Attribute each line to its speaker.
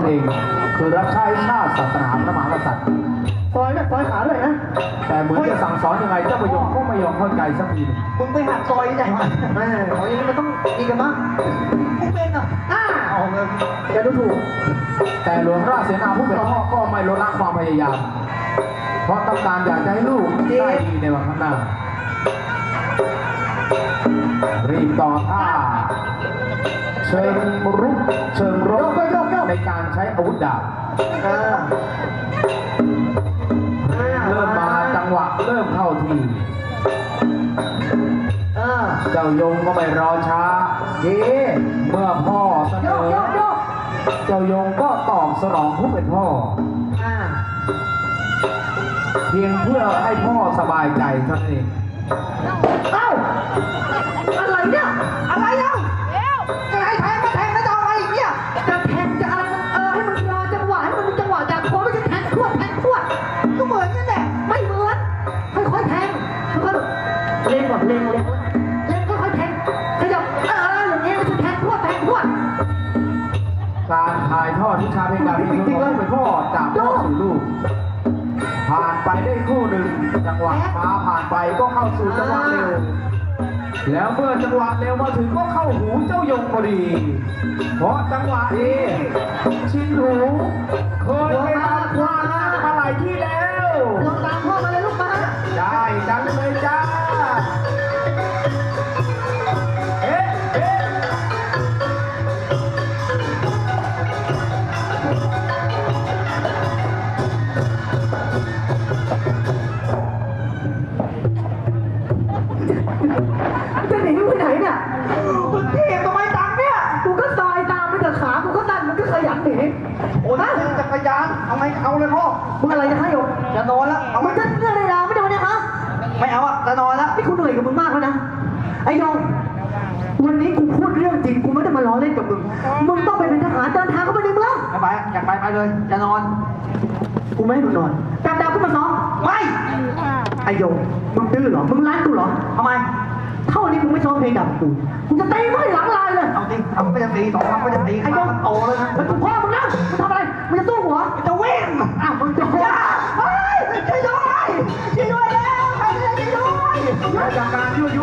Speaker 1: เองคือรับใช้ชาติศาสนาพระมหากษัตริย์
Speaker 2: ซอยเนี่ยซอยขาเลยนะ
Speaker 1: แต่เหมือนจะสั่งสอนยังไงเจ้าประโยคก็ไม่ยอมเข้าใจสักที
Speaker 2: มึงไปหักซอยที่ไหนวะแม่ของอย่างนี้มันต้องดีกันมั้งมึงเป็นอ่ะเอาเงินจะดูถูก
Speaker 1: แต่หลวงราชเสนาผู้เป็นพ่อก็ไม่ลดละความพยายามเพราะต้องการอยากจะให้ลูกได้ดีในวันข้างหน้ารีบต่อท่าเชิงรุกเชิงรบในการใช้อาวุธดาบเริ่มมาจังหวะเริ่มเข้าทีเจ้ายงก็ไม่รอช้าเมื่อพ่อเสนอเจ้ายงก็ตอบสนองผู้เป็นพ่อเพียงเพื่อให้พ่อสบายใจเท่านั้นเอง
Speaker 2: อะไรเนี่ยอะไรแล้วจะให้แทงก็แทงแล้วจะเอาอะไรเนี่ยจะแทงจะอะไรให้มันรอจังหวะให้มันมีจังหวะจากโค้งไม่ใช่แทงพรวดก็เหมือนกันแหละไม่เหมือนค่อยๆแทงค่อยๆเล่นก่อนเล่นค่อยๆแทงขยับอย่างนี้ไม่ใช่แทงพรวด
Speaker 1: การถ่ายทอดวิชาเพลงดาบเป็นของผู้เป็นพ่อจากพ่อสู่ลูกผ่านไปได้คู่หนึ่งจังหวะฟ้าผ่านไปก็เข้าสู่จังหวะเร็วแล้วเมื่อจังหวะเร็วมาถึงก็เข้าหูเจ้ายงพอดีเพราะจังหวะนี้ชินหูเคยไปทำความมาหลายที่แล้ว
Speaker 2: ลองตามพ่อมาเลยลูกมา
Speaker 1: ได้จังเลยจ้า
Speaker 2: จะหนีไปไหนเนี่ยมึงเทียบทำไมตังเนี่ยกูก็ซอยตามไปเถอะขากูก็ดันมึงก็ขยันหนีโอ้ยจักรยานเอาไงเอาเลยพ่อมึงอะไรจะให้โยจะนอนแล้วเอามึงจะเรื่องอะไรแล้วไม่โดนเนี่ยฮะไม่เอาอะจะนอนแล้วนี่กูเหนื่อยกับมึงมากแล้วนะไอ้โยวันนี้กูพูดเรื่องจริงกูไม่ได้มาล้อเล่นกับมึงต้องไปเป็นทหารเดินทางเข้าไปในเมืองไปอยากไปเลยจะนอนกูไม่ให้มึงนอนจับดาวขึ้นมาซ้อมไม่ไอ้โยมึงดื้อเหรอมึงรักกูเหรอทำไมเท่านี้มึงไม่ชอบเพลงดับกูจะตีมึงให้หลังลายเลยเอาดิทำไม่จะตีสองครั้งไม่จะตีไอ้โยโตเลยนะมันถูกพ่อมึงนะมึงทำอะไรมึงจะสู้หัวจะวิ่งมึงจะเฮ้ยช่วยด้วยช่วยด้วยแล้วใครจะช่วยด้วย
Speaker 1: จากการยั่วยุ